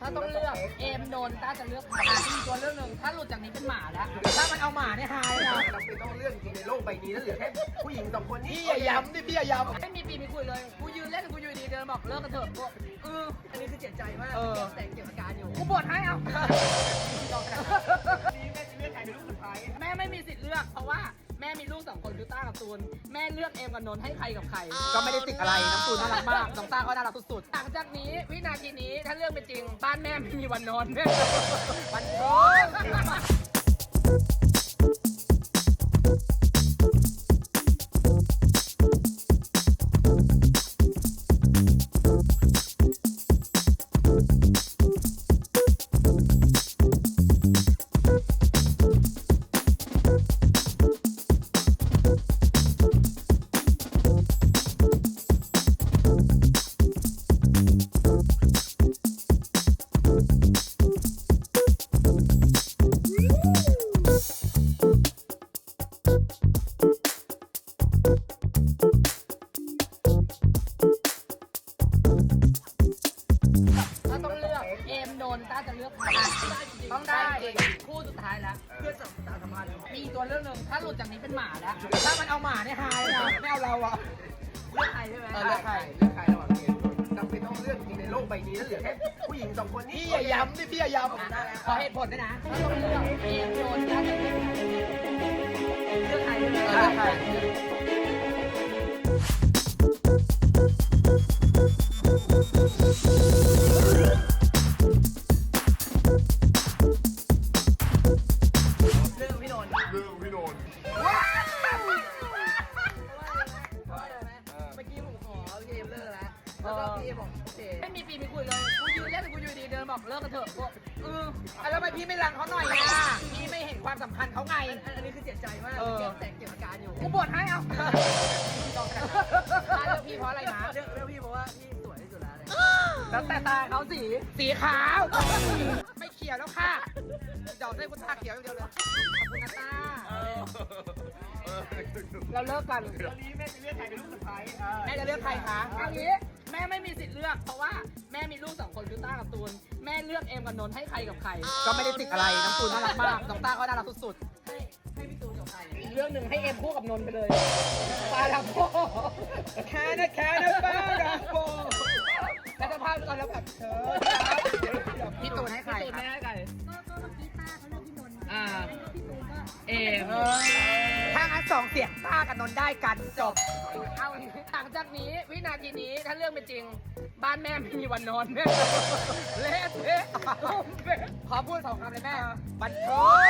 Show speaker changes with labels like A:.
A: ถ้าต้องเลือกเอมโดนต้าจะเลือกใครมีตัวเลือกหนึ่งถ้าหลุดจากนี้เป็นหมาแล้วถ้ามันเอาหมาเนี่ยหายนะ
B: เราเป็นต้องเลื่อนจริงในโลกใบนี้แล้วเหลือแค่ผู้หญิงสองคนนี้
C: พี่อย่าย้ำดิพี่อย่าย้ำ
A: ไม่มีปีมีคุยเลยกูยืนเล่นกูอยู่ดีเดินบอกเลิกกันเถอะกู
B: อันนี้คือเจ็บใจมากแต่เก็บอาการอยู่
A: กูบวชให้เอา
B: นี่แม่จะเลือกใครเป็นลูกสุดท้าย
A: แม่ไม่มีสิทธิ์เลือกเพราะว่าแม่มีลูก2 คนคือต้ากับตูนแม่เลือกเอมกับนนท์ให้ใครกับใคร
C: ก็ไม่ได้ติดอะไรน้ำตูนน่ารักมาก
A: น้องต้าก็น่ารักสุดๆหลังจากนี้วินาทีนี้ถ้าเรื่องเป็นจริงบ้านแม่ไม่มีวันนอนวันโอ้ถ้าต้องเลือกเอมโดนต้าจะเลือกใครต้องได้คู่สุดท้ายแล้ว
B: เพื่อนสัมพันธ์
A: มีตัวเลือกหนึ่งถ้าหลุดจากนี้เป็นหมาแล้ว
C: ถ้ามันเอาหมาเนี่ยหายนะไม่เอาเราอะ
A: เลือกใครใช่ไหม
B: เลือกใครระหว่างเกมเราเป็นต้องเลื่อนจริงในโลกใบนี้แล้วเหลือแค่ผู้หญิงสองคนนี้
C: พี่อย่าย้ำดิพี่อย่าย้ำ
A: ขอเหตุผลด้วยนะถ้าต้องเลือกเอมโดนต้าจะเลือกใครเลือกใคร
B: เรื่องพี่นนท์
D: เรื่องพี่โดน
B: เมื่อกี้ผมขอเกมเลิกแล้วแล้วก็พี่บอกโอเค
A: ไม่มีปีมีคุยเลยกูยืนเล่นกูอยู่ดีเดินบอกเลิกกันเถอะกู
C: แล้วทำไมพี่ไม่รังเขาหน่อยอะพี่ไม่เห็นความสำคัญเขาไง
B: อันนี้คือเจ็บใจมากแต่เก็บอาการอยู่
A: กูบวชให้เอาเลือกพี่เพราะอะไรนะ
B: เรื่องพี่เพราะว่าพี่สวยที่สุดแล้วเลย
A: แล้วแต่ตาเขาสีขาว
C: ไม่เขียวแล้วค่ะเดี๋ยวให้คุณตาเขียวอย่างเดียวเลย
A: ขอบคุณนะตาเราเลิกกัน
B: ตอนนี้แม่จะเลือกใครเป็นลูกสุดท้าย
C: แม่จะเลือกใครคะ
A: เอางี้แม่ไม่มีสิทธิ์เลือกเพราะว่าแม่มีลูก2 คนคือต้ากับตูนแม่เลือกเอมกับนนท์ให้ใครกับใคร
C: ก็ไม่ได้ติดอะไรน้ำตูนน่ารักมากน้องต้าก็น่ารักสุด
B: ให้พี่ตูนกับใคร
A: อีกเรื่องหนึ่งให้เอมคู่กับนนท์ไปเลยปาลาโพ
C: ๆแค่นะป้าดังโบ
A: แล้วจะพาไปก่อนแล้วแบบเธอ
C: พี่ตูนให้ใคร
A: พี่ตูน
C: ครับ
A: ไม่ให้ใคร
E: ก็เมื่อกี้ป้าเขาเลือกพี่นนท์
A: อ่า
E: พี่ตูนก็
A: เอม
C: ถ้างั้น2 เสียงต้ากับนนท์ได้กันจบ
A: เอาหลังจากนี้วินาทีนี้ถ้าเรื่องเป็นจริง บ้านแม่ไม่มีวันนอนเละเทะ
C: ขอพูด2 คำเลยแม่บันเท